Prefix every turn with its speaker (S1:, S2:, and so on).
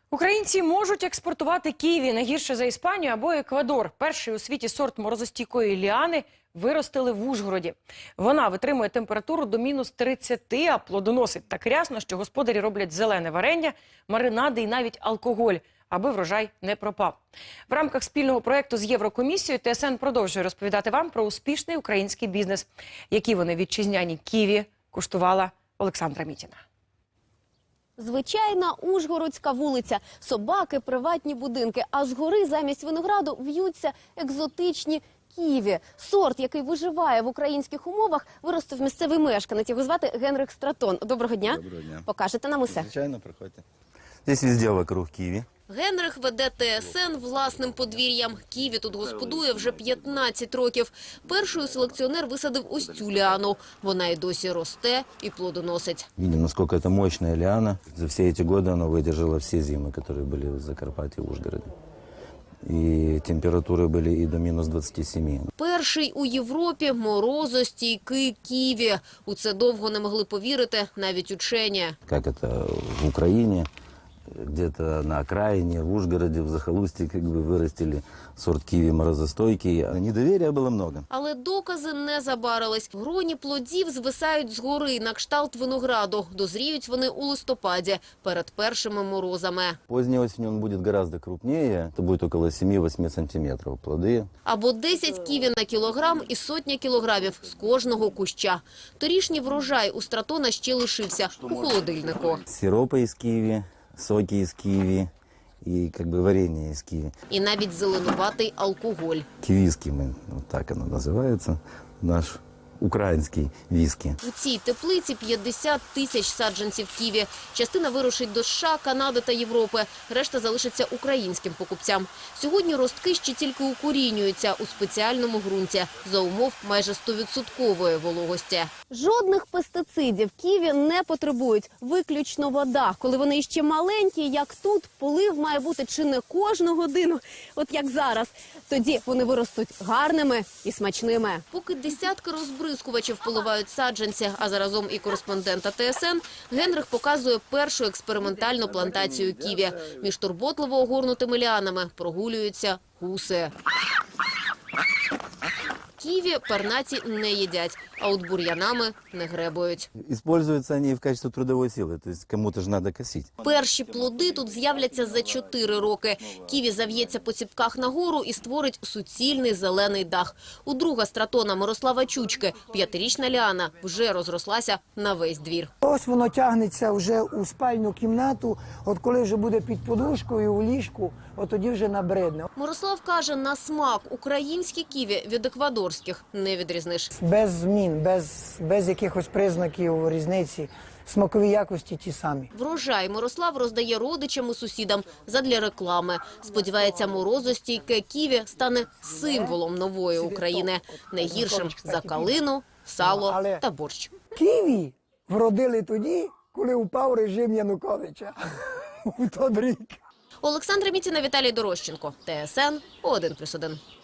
S1: Українці можуть експортувати ківі не гірше за Іспанію або Еквадор. Перший у світі сорт морозостійкої ліани виростили в Ужгороді. Вона витримує температуру до мінус 30, а плодоносить так рясно, що господарі роблять зелене варення, маринади і навіть алкоголь, аби врожай не пропав. В рамках спільного проєкту з Єврокомісією ТСН продовжує розповідати вам про успішний український бізнес. Які вони вітчизняні ківі куштувала Олександра Мітіна.
S2: Звичайна ужгородська вулиця, собаки, приватні будинки, а згори замість винограду в'ються екзотичні ківі. Сорт, який виживає в українських умовах, виростив місцевий мешканець. Його звати Генрих Стратон. Доброго дня.
S3: Доброго дня.
S2: Покажете нам усе?
S3: Звичайно, приходьте. Здесь везде вокруг ківі.
S2: Генрих веде ТСН власним подвір'ям. Ківі тут господує вже 15 років. Першою селекціонер висадив ось цю ліану. Вона й досі росте і плодоносить.
S3: Видим, насколько это мощная лиана. За все эти годы она выдержала все зимы, которые были в Закарпатье, в Ужгороде. И температуры были и до минус 27.
S2: Перший у Європі морозостійкий ківі. У це довго не могли повірити навіть учені.
S3: Как это в Украине, где-то на окраине, в Ужгороде, в захолустье, как бы вырастили сорт киви морозостойкий. Недоверия было много.
S2: Але докази не забарились. Гроні плодів звисають згори на кшталт винограду. Дозріють вони у листопаді, перед першими морозами.
S3: Поздней осенью он будет гораздо крупнее. Это будет около 7-8 сантиметров плоды.
S2: Або 10 ківі на кілограм і сотня кілограмів з кожного куща. Торішній врожай у Стратона ще лишився у холодильнику.
S3: Сиропы из киви, соки из киви и как бы варенье из киви.
S2: І навіть зеленуватий алкоголь.
S3: Кивиски, вот так оно называется, наш украинский виски.
S2: У цій теплиці 50 тисяч саджанців ківі. Частина вирушить до США, Канади та Європи. Решта залишиться українським покупцям. Сьогодні ростки ще тільки укорінюються у спеціальному ґрунті за умов майже 100% вологості. Жодних пестицидів ківі не потребують. Виключно вода. Коли вони ще маленькі, як тут, полив має бути чи не кожну годину, от як зараз. Тоді вони виростуть гарними і смачними. Поки десятки розбризкувачів поливають саджанці, а заразом і кореспондента ТСН, Генрих показує першу експериментальну плантацію ківі. Між турботливо огорнутими ліанами прогулюються гуси. Ківі пернаті не їдять, а от бур'янами не гребують.
S3: Используются они в качестве трудовой силы, то есть кому-то же надо косить.
S2: Перші плоди тут з'являться за 4 роки. Ківі зав'ється по ціпках нагору і створить суцільний зелений дах. У друга Стратона Мирослава Чучки 5-річна ліана вже розрослася на весь двір.
S4: Ось воно тягнеться вже у спальну кімнату, от коли вже буде під подушкою, у ліжку, от тоді вже набридне.
S2: Мирослав каже, на смак українські ківі від еквадорських не відрізниш.
S4: Без змін, без якихось признаків різниці, смакові якості ті самі.
S2: Врожай Мирослав роздає родичам і сусідам задля реклами. Сподівається, морозостійке ківі стане символом нової України. Не гіршим за калину, сало та борщ.
S4: Ківі вродили тоді, коли упав режим Януковича у той рік.
S2: Олександра Мітіна, Віталій Дорощенко. ТСН 1+1.